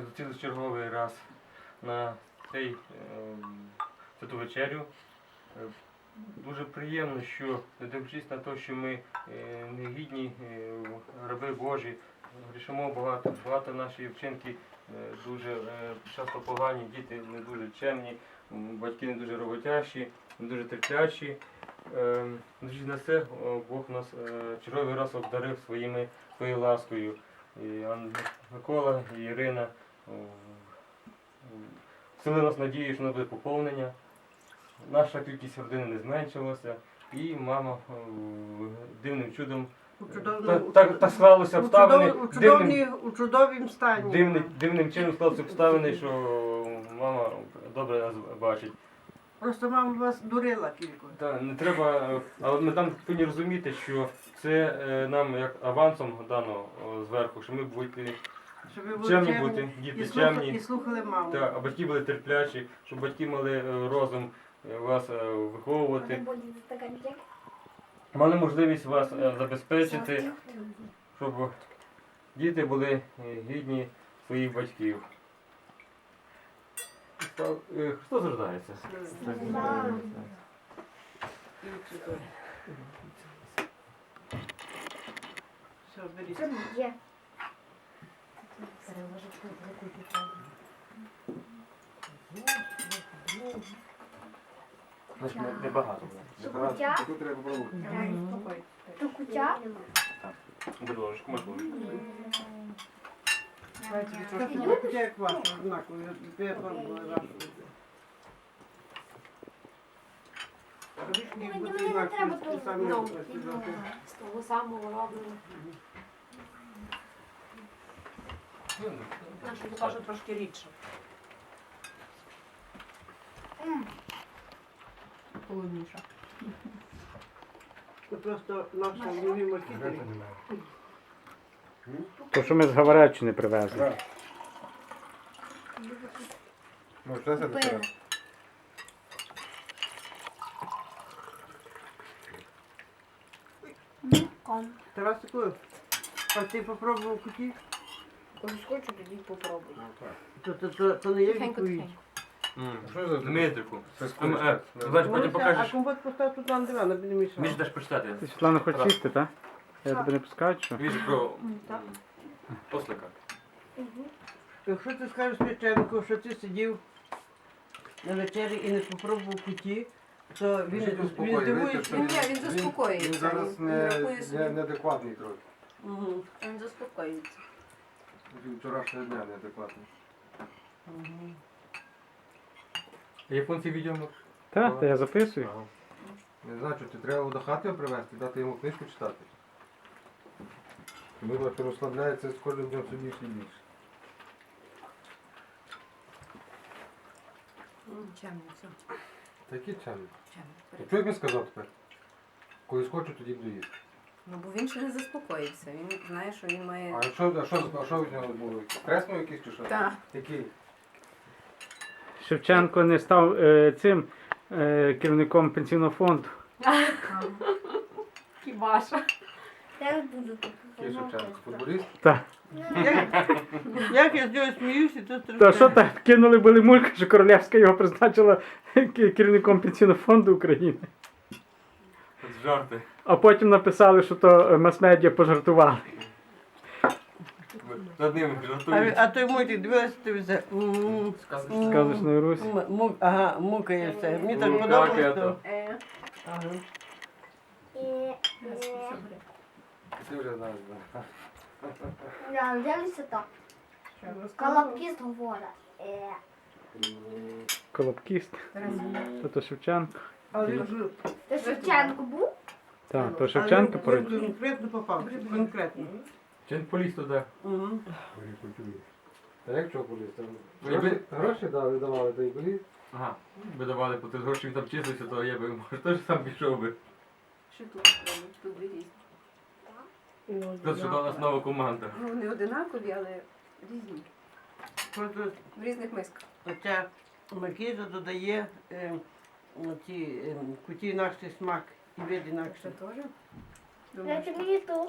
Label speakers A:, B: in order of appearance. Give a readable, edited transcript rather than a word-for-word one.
A: зустрілися черговий раз на цей святу вечерю. Дуже приємно, що, не дивлячись на те, що ми негідні раби Божі, грішимо багато, багато наші вчинки дуже часто погані, діти не дуже чемні, батьки не дуже роботящі, не дуже терплячі. Незважаючи на це, Бог нас черговий раз обдарив своєю ласкою. І Микола і Ірина вселили нас надію, що у нас буде поповнення. Наша кількість родини не зменшилася, і мама дивним чудом так склалося обставини.
B: У чудовім стані.
A: Дивним чином склалися обставини, що мама добре нас бачить.
B: Просто мама вас дурила кілько.
A: Так, не треба, але ми там повинні розуміти, що це нам як авансом дано зверху, що ми будемо чемні бути, діти чемні.
B: І слухали маму.
A: Так, а батьки були терплячі, щоб батьки мали розум вас виховувати. Мали можливість вас забезпечити, щоб діти були гідні своїх батьків. Христос рождається.
B: Все, беріть.
A: Небагато.
C: Кутя?
D: Таку треба попробувати.
C: То кутя?
A: Будь ложечку, можеш ложечку.
B: Трошки як ваша, однаково. Я пробувала вашу.
C: Мені не треба того.
E: З того самого робимо. Нашу покажу трошки рідше. Холодніше.
B: Це просто наша любима кітель.
F: То, що ми з Говореччини привезли.
D: Може, це треба?
B: Тарасику, а ти попробував куті?
E: Коли хочу, тоді попробую.
B: То не є
E: Тихенько,
B: відповідь.
E: тихенько.
D: Що за
A: Дмитрику.
D: Це
A: Значить, потім
B: А
A: покажеш.
B: компот постав тут на диван, аби не мішав.
A: Між даш почитати.
F: Ти, Світлана, хочеш їсти, так? Я тебе не пускаю, що?
A: Віж про ослика.
B: Якщо ти скажеш священнику, що ти сидів на вечері і не попробував куті, то він здивується.
E: Він заспокоюється.
D: Він зараз
E: Він рахує собі.
D: неадекватний трохи.
B: Мгм.
E: Він заспокоюється.
D: Від вчорашнього дня неадекватний.
A: Японці відео.
F: Так, та я записую.
D: Ага. Не знаю, що ти треба до хати його привезти, дати йому книжку читати. Тому що розслабляється з кожним днем все більше і більше.
E: Чемно, все.
D: Такі чемні.
E: Чемно.
D: Що як він сказав тепер? Коли схочу, тоді буду їсти.
E: Ну, бо він ще не заспокоїться. Він знає, що він має...
D: А що від нього було? Стрес мав якийсь чи що?
E: Так.
D: Який?
F: Шевченко не став цим керівником пенсійного фонду.
E: Хібаша.
C: Я буду тут.
D: Який Шевченко? Футболіст?
F: Так.
B: Як я з нього сміюся, то
F: Та що так, кинули були мульку, що Королевська його призначила керівником пенсійного фонду України.
A: Жарти.
F: А потім написали, що то мас-медіа пожартували.
A: Над ними жартують.
B: А той мультик дивилася телевізор.
F: Сказочної Русі.
B: Ага, мукає все. Мені так
A: Ну,
B: подобалось.
A: так,
B: то-
E: Ага.
D: Ти вже знаєш, так.
C: Дивися так. Колобкіст говорить.
F: Колобкіст. То Шевченко.
B: Але він жив.
C: Ти Шевченко був?
F: Так, то Шевченко
B: Він
F: поряд.
B: конкретно попав. Конкретно.
A: Чи поліз туди?
B: Мгм.
D: Та як чого поліз? Там
A: Якби-
D: гроші давали, то й поліз.
A: Ага. Би давали по тих грошей, він там числився, то я би, може, теж сам пішов би.
E: Що тут робить? Тут дві різні.
A: Тут що до нас нова команда.
E: Ну, не одинакові, але різні.
B: Просто
E: В різних мисках.
B: оця маркіза додає куті інакший смак і вид інакший.
E: Це теж?
C: Я тобі ту.